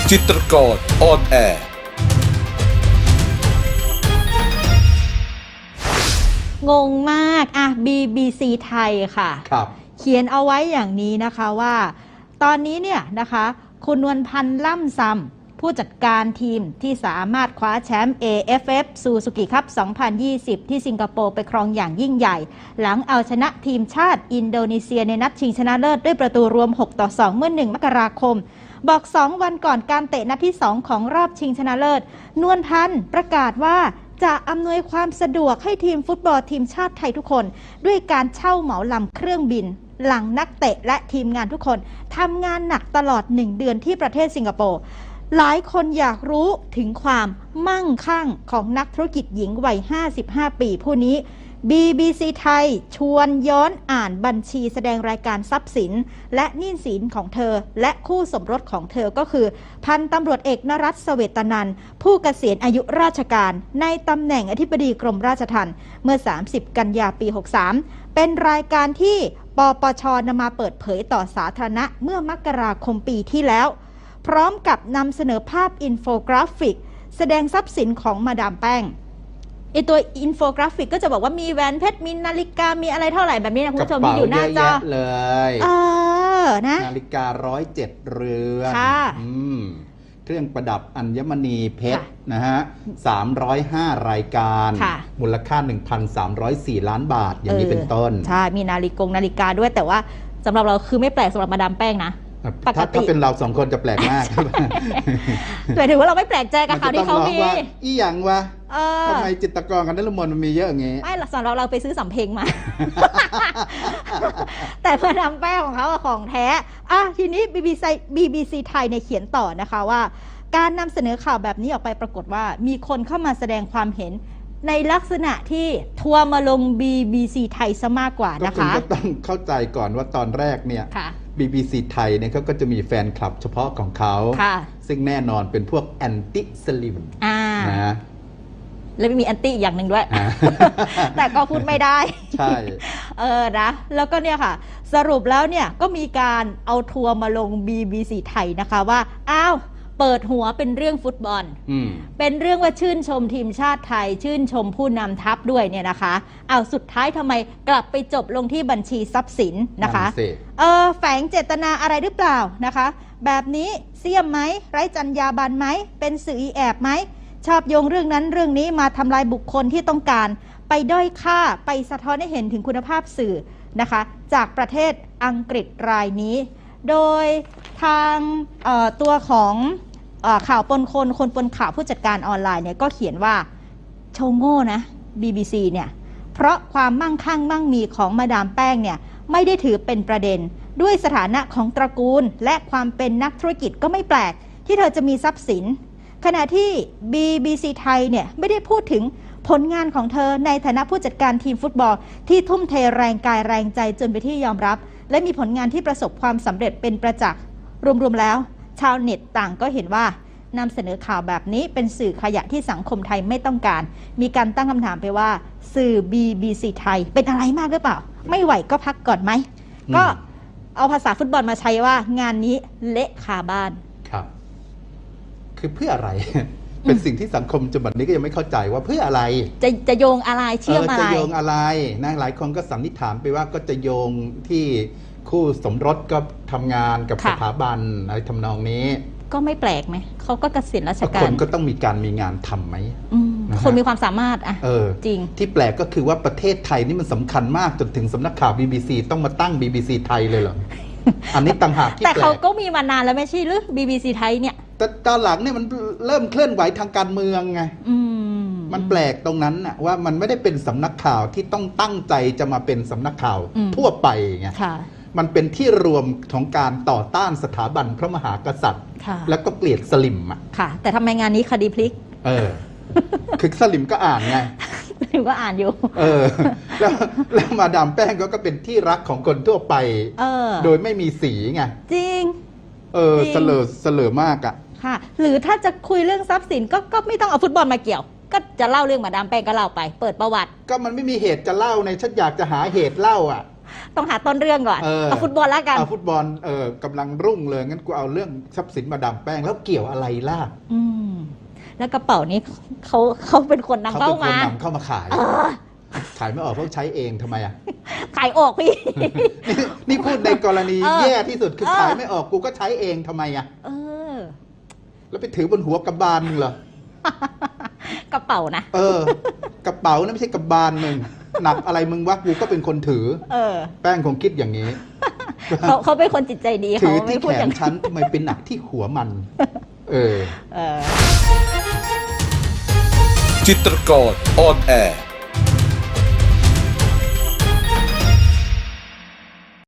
จิตรกรออนแอร์งงมากBBC ไทยค่ะครับเขียนเอาไว้อย่างนี้นะคะว่าตอนนี้เนี่ยนะคะคุณนวลพันธ์ล่ำซำผู้จัดการทีมที่สามารถคว้าแชมป์ AFF Suzuki Cup 2020 ที่สิงคโปร์ไปครองอย่างยิ่งใหญ่หลังเอาชนะทีมชาติอินโดนีเซียในนัดชิงชนะเลิศด้วยประตูรวม 6-2 เมื่อ 1 มกราคมบอก 2 วันก่อนการเตะนัดที่ 2 ของรอบชิงชนะเลิศนวลพันธ์ประกาศว่าจะอำนวยความสะดวกให้ทีมฟุตบอลทีมชาติไทยทุกคนด้วยการเช่าเหมาลำเครื่องบินหลังนักเตะและทีมงานทุกคนทำงานหนักตลอด1 เดือนที่ประเทศสิงคโปร์หลายคนอยากรู้ถึงความมั่งคั่งของนักธุรกิจหญิงวัย 55 ปีผู้นี้ BBC ไทยชวนย้อนอ่านบัญชีแสดงรายการทรัพย์สินและหนี้สินของเธอและคู่สมรสของเธอก็คือพันตำรวจเอกนรัตน์ เสวตนันท์ผู้เกษียณอายุราชการในตำแหน่งอธิบดีกรมราชทัณฑ์เมื่อ 30 กันยาปี 63 เป็นรายการที่ปปช.นำมาเปิดเผยต่อสาธารณะเมื่อมกราคมปีที่แล้วพร้อมกับนำเสนอภาพอินโฟกราฟิกแสดงทรัพย์สินของมาดามแป้งไอตัวอินโฟกราฟิกก็จะบอกว่ามีแหวนเพชรมีนาฬิกามีอะไรเท่าไหร่แบบนี้นะคุณผู้ชมที่อยู่หน้าจอเลยนะนาฬิกา107 เรือนเครื่องประดับอัญมณีเพชรนะฮะ305 รายการมูลค่า 1,304 ล้านบาทอย่างนี้เป็นต้นใช่มีนาฬิกาด้วยแต่ว่าสำหรับเราคือไม่แปลกสำหรับมาดามแป้งนะถ้าเป็นเรา2 คนจะแปลกมากแต่ถือว่าเราไม่แปลกใจกับข่าวที่เขามีอีหยังวะทำไมจิตรกรกันนฤมลมันมีเยอะอย่างงี้ไม่สำหรับเราไปซื้อสำเพ็งมา แต่มาดามแป้งของเขาของแท้ทีนี้ BBC ไทยเนี่ยเขียนต่อนะคะว่าการนำเสนอข่าวแบบนี้ออกไปปรากฏว่ามีคนเข้ามาแสดงความเห็นในลักษณะที่ทัวร์มาลง BBC ไทยซะมากกว่านะคะก็ต้องเข้าใจก่อนว่าตอนแรกเนี่ย BBC ไทยเนี่ยเขาก็จะมีแฟนคลับเฉพาะของเขาซึ่งแน่นอนเป็นพวกแอนตี้สลิมนะแล้วมีแอนตี้อย่างหนึ่งด้วย แต่ก็พูดไม่ได้ใช่นะแล้วก็เนี่ยค่ะสรุปแล้วเนี่ยก็มีการเอาทัวร์มาลง BBC ไทยนะคะว่าเปิดหัวเป็นเรื่องฟุตบอลเป็นเรื่องว่าชื่นชมทีมชาติไทยชื่นชมผู้นำทัพด้วยเนี่ยนะคะสุดท้ายทำไมกลับไปจบลงที่บัญชีทรัพย์สินนะคะแฝงเจตนาอะไรหรือเปล่านะคะแบบนี้เสี่ยมไหมไร้จรรยาบรรณไหมเป็นสื่ออีแอบไหมชอบโยงเรื่องนั้นเรื่องนี้มาทำลายบุคคลที่ต้องการไปด้อยค่าไปสะท้อนให้เห็นถึงคุณภาพสื่อนะคะจากประเทศอังกฤษรายนี้โดยทางตัวของข่าวปนคนปนข่าวผู้จัดการออนไลน์เนี่ยก็เขียนว่าโชว์โง่นะ BBC เนี่ยเพราะความมั่งคั่งมั่งมีของมาดามแป้งเนี่ยไม่ได้ถือเป็นประเด็นด้วยสถานะของตระกูลและความเป็นนักธุรกิจก็ไม่แปลกที่เธอจะมีทรัพย์สินขณะที่ BBC ไทยเนี่ยไม่ได้พูดถึงผลงานของเธอในฐานะผู้จัดการทีมฟุตบอลที่ทุ่มเทแรงกายแรงใจจนไปนที่ยอมรับและมีผลงานที่ประสบความสำเร็จเป็นประจักษ์รวมๆแล้วชาวเน็ตต่างก็เห็นว่านำเสนอข่าวแบบนี้เป็นสื่อขยะที่สังคมไทยไม่ต้องการมีการตั้งคำถามไปว่าสื่อ BBC ไทยเป็นอะไรมากหรือเปล่าไม่ไหวก็พักก่อนไหมก็เอาภาษาฟุตบอลมาใช้ว่างานนี้เละคาบ้านครับคือเพื่ออะไร เป็นสิ่งที่สังคมจนบัดนี้ก็ยังไม่เข้าใจว่าเพื่ออะไรจะโยงอะไรเชื่อมอะไรจะโยงอะไรนะหลายคนก็สันนิษฐานไปว่าก็จะโยงที่คู่สมรสก็ทำงานกับสถาบันอะไรทำนองนี้ก็ไม่แปลกไหมเขาก็เกษียณราชการคนก็ต้องมีงานทำไหมคนมีความสามารถจริงที่แปลกก็คือว่าประเทศไทยนี่มันสำคัญมากจนถึงสำนักข่าว BBC ต้องมาตั้ง BBC ไทยเลยเหรอ อันนี้ต่างหากที่แต่เขาก็มีมานานแล้วไม่ใช่หรือ BBC ไทยเนี่ยแต่ตอนหลังเนี่ยมันเริ่มเคลื่อนไหวทางการเมืองไงมันแปลกตรงนั้นน่ะว่ามันไม่ได้เป็นสำนักข่าวที่ต้องตั้งใจจะมาเป็นสำนักข่าวทั่วไปไงมันเป็นที่รวมของการต่อต้านสถาบันพระมหากษัตริย์แล้วก็เกลียดสลิมค่ะแต่ทำไมงานนี้คดีพลิกคือสลิมก็อ่านไงสลิมก็อ่านอยู่แล้วมาดามแป้งก็เป็นที่รักของคนทั่วไปโดยไม่มีสีไงจริงเสลอมากค่ะหรือถ้าจะคุยเรื่องทรัพย์สินก็ไม่ต้องเอาฟุตบอลมาเกี่ยวก็จะเล่าเรื่องมาดามแป้งก็เล่าไปเปิดประวัติก็มันไม่มีเหตุจะเล่าในฉันอยากจะหาเหตุเล่าต้องหาต้นเรื่องก่อนเอาฟุตบอลแล้วกันเอาฟุตบอลกำลังรุ่งเลยงั้นกูเอาเรื่องทรัพย์สินมาดามแป้งแล้วเกี่ยวอะไรล่ะแล้วกระเป๋านี้เขาเป็นคนนำเข้ามาขายขายไม่ออกเพราะใช้เองทำไมอ่ะขายออกพี่นี่พูดในกรณีแย่ที่สุดคือขายไม่ออกกูก็ใช้เองทำไมอ่ะแล้วไปถือบนหัวกระบาลมึงเหรอกระเป๋านะกระเป๋านั่นไม่ใช่กระบาลมึงหนักอะไรมึงวะกูก็เป็นคนถือแป้งคงคิดอย่างนี้เขาเป็นคนจิตใจดีเขาไม่พูดอย่างฉันทำไมเป็นหนักที่หัวมันจิตรกรออนแอร์